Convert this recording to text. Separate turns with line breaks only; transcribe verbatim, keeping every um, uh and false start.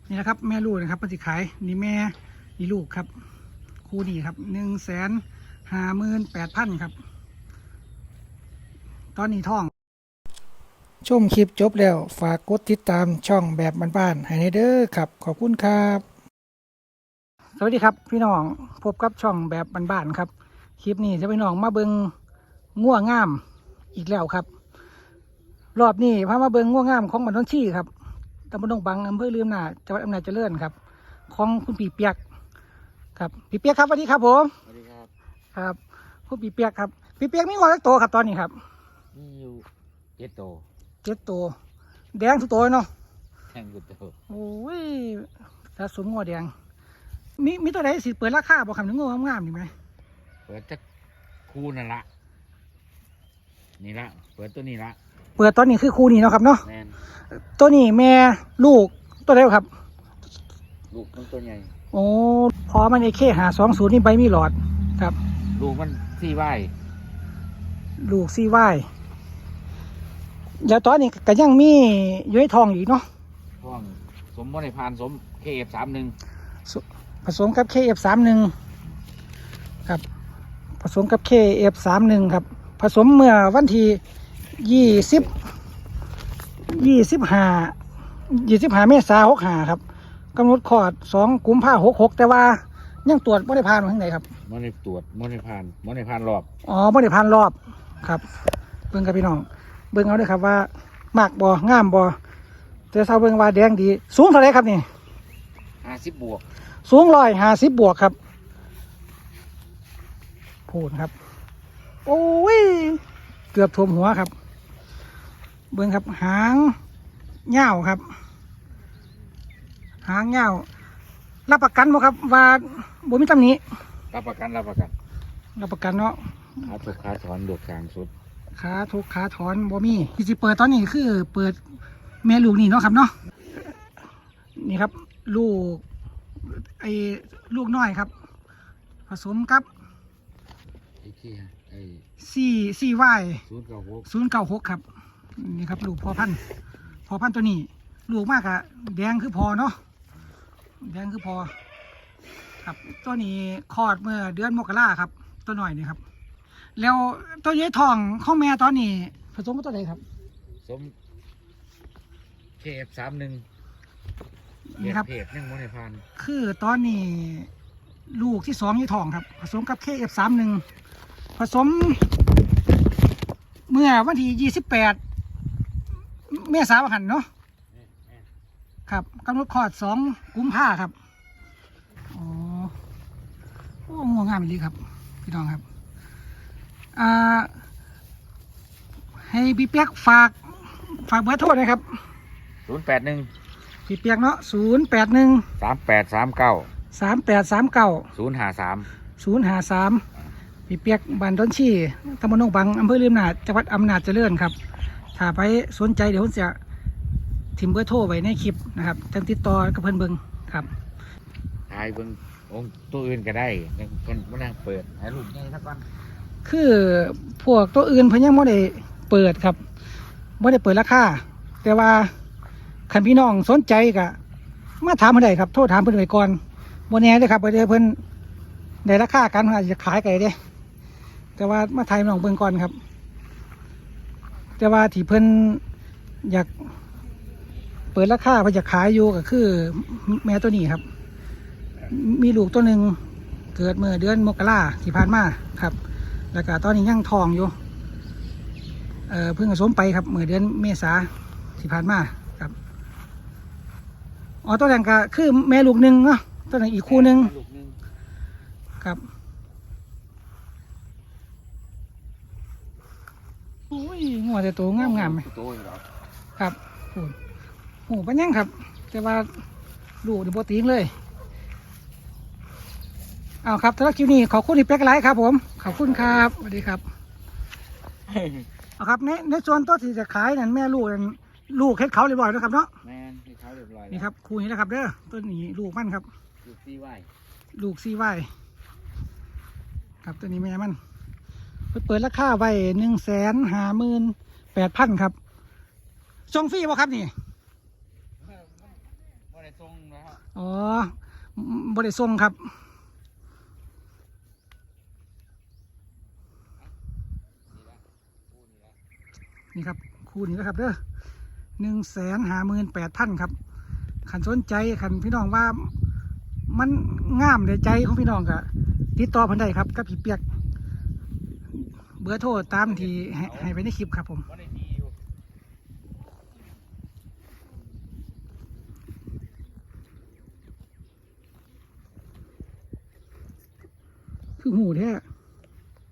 นี่นะครับแม่ลูกนะครับปฏิขายนี่แม่นี่ลูกครับคู่นี้ครับหนึ่งแสนห้าหมื่นแปดพันครับตอนนี้ท่องชมคลิปจบแล้วฝากกดติดตามช่องแบบบ้านๆให้เด้อครับขอบคุณครับสวัสดีครับพี่น้องพบกับช่องแบบบ้านๆครับคลิปนี้จะพี่น้องมาเบิงง่วงงามอีกแล้วครับรอบนี้พามาเบิงง่วงงามของบ้านท้องที่ครับตำบลดงบังอำเภอลืมนาจังหวัดอำนาจเจริญครับของคุณปีเปียกครับปีเปียกครับสวัสดีครับผม
สวัสดีครับ
ครับคุณปีเปียกครับปีเปียกมีงอสักตัวครับตอนนี้ครับ
มีอยู่เจ็ดโต
เจ็ดตัวแดงทุกตัวเนาะ
แทงกุดโต
โอ้ยสะสมงอแดงมีมีตัวไหนสิเปิดราคาบอกคำนึงงงามๆนี่ไหม
เปิดจะคู่นั่นละนี่ละเปิดตัวนี้ละ
เปิดตอนนี้คือคู่นี้เนาะครับเนาะ
แมน
ตัวนี้แม่ลูกตัวไหนครับ
ลูกมันตัวใหญ่
โอ้พอมันไอเคหาสองศูนย์นี่ใบมีหลอดครับ
ลูกมันสี่ใบ
ลูกซีไว้แล้วตอนนี้ก็ยังมีย้อยทองอีกเนาะ
ท้องสมมติในพานสมเคเอฟสามหนึ่ง
ผสมกับเคเอฟสามหนึ่งครับผสมกับเคเอฟสามหนึ่งครับผสมเมื่อวันที่ยี่สิบยี่สิบห้ายี่สิบห้าเมษายนหกห้าครับกำหนดคลอดสองกุมภาหกหกแต่ว่ายังตรวจไม่ได้ผ่านมาข้างไหนครับ
มอในตรวจมอในพานมอในพานรอบ
อ๋อไม่ได้ผ่านรอบครับเบิ่งกับพี่น้องเบิ่งเอาด้วยครับว่ามากบ่งามบ่แต่เศร้าเบิ่งว่าแดงดีสูงเท่าไรครับนี่
ห้าสิบบวก
สูงร้อยห้าสิบบวกครับพูดครับโอ้ยเกือบท่วมหัวครับเบิ่งครับหางเง่าครับหางเง่ารับประกันบ่ครับว่าบ่มีตำหนิ
รับประกันรับประกัน
รับประกันเนาะ
ขาถูกขาถอนดวกกลางสุด
ขาทุกขาถอนบ่มีที่สิเปิดตอนนี้คือเปิดแม่ลูกนี่เนาะครับเนาะนี่ครับลูกไอ้ลูกน้อยครับผสมกับ
ไอ้ที่ไอ้
สี่สี่วาย
ศูนย์เก้าหก
ศูนย์เก้าหกครับนี่ครับลูกพอพันพอพันตัวนี้ลูกมากอะแดงคือพอเนาะแดงคือพอครับตัวนี้คลอดเมื่อเดือนมกราครับตัวหน่อยนี่ครับแล้วตัวย้ายทองของแม่ตอนนี้ผสมกับตัวไหนครับ
สมเคเอฟสามหนึ่ง
นี่ครับ
เพจหนึ่งมอในพาน
คือตอนนี้ลูกที่สองย้ายทองครับผสมกับเคเอฟสามหนึ่งผสมเมื่อวันที่ยี่สิบแปดเมษายนหันเนาะครับกำหนดคลอดสองกุมภาครับอ๋อโอ้งวงงามดีครับพี่น้องครับอ่าให้พี่เปียกฝากฝากเบอร์โทรนะครับ
ศูนย์แปดหนึ่ง
พี่เปียกเนาะศูนย์แปดหนึ่ง
สามแปดสามเก้า
สามแปดสามเก้า
ศูนย์ห้าสาม
ศูนย์ห้าสามพี่เปียกบ้านต้นชีตำบลหนองบังอำเภอลืมนาจจังหวัดอำนาจเจริญครับถ้าไปสนใจเดี๋ยวผมจะทิมเบอร์โทรไว้ในคลิปนะครับจังติดต่อกับเพื่อนเบิงครับ
ถ่ายเบิ่งองค์ตัวอื่นก็ได้ยังเพิ่นมานั่งเปิดให้ลูกใหญ่สักวัน
คือพวกตัวอื่นเพิ่นยังไม่ได้เปิดครับไม่ได้เปิดราคาแต่ว่าคันพี่น้องสนใจก็มาถามเพิ่นได้ครับโทรถามเพิ่นไว้ก่อนบ่แน่เด้อครับเดี๋ยวเพิ่นได้ราคากันอาจจะขายไก่เด้แต่ว่ามาถ่ายน้องเบิ่งก่อนครับแต่ว่าที่เพิ่นอยากเปิดราคาเพิ่นจะขายอยู่ก็คือแม่ตัวนี้ครับมีลูกตัวหนึ่งเกิดเมื่อเดือนมกราที่ผ่านมาครับแล้วก็ตอนนี้ยังทองอยู่เอ่อเพิ่งผสมไปครับเมื่อเดือนเมษาที่ผ่านมาครับอ๋อตัวแรกก็คือแม่ลูกหนึ่งเนาะตัวนึงอีกคู่หนึ่งครับโอ้ยงัวแต่ตัวงามงามไหมครับโอ้โหปัญญังครับแต่ว่าลูกเดี๋ยวโปรตีนเลยเอาครับสำหรับคลิปนี้ขอบคุณที่เป็กไลค์ครับผมขอบคุณครับสวัสดีครับเอาครับในในส่วนตัวที่จะขายนั่นแม่ลูกนั่นลูกเฮ็ดเขาเรียบร้อยแล้วครับเนาะ
แม่เฮ็ดเขาเรียบร้อย
นี่ครับคู่นี้นะครับเด้อตัวนี้ลูกมันครับ
ลูกซีไว้
ลูกซีไว้ครับตัวนี้แม่มันเปิดราคาไว้หนึ่งแสนห้าหมื่นแปดพันครับส่งฟรีป่ะครับนี่
ไม่ได้ได้ส่งนะครับ
อ๋อบ่ได้ส่งครับนี่ครับคู่นี้นะครับเด้อหนึ่งแสนห้าหมื่นแปดพันครับขันสนใจขันพี่น้องว่ามันงามในใจของพี่น้องกะติดต่อเพันได้ครับกับพี่เปียกเบอร์โทรตามที่ให้ให้ไปในคลิปครับผม
บ่ได้ดีอยู่
คือหูแท้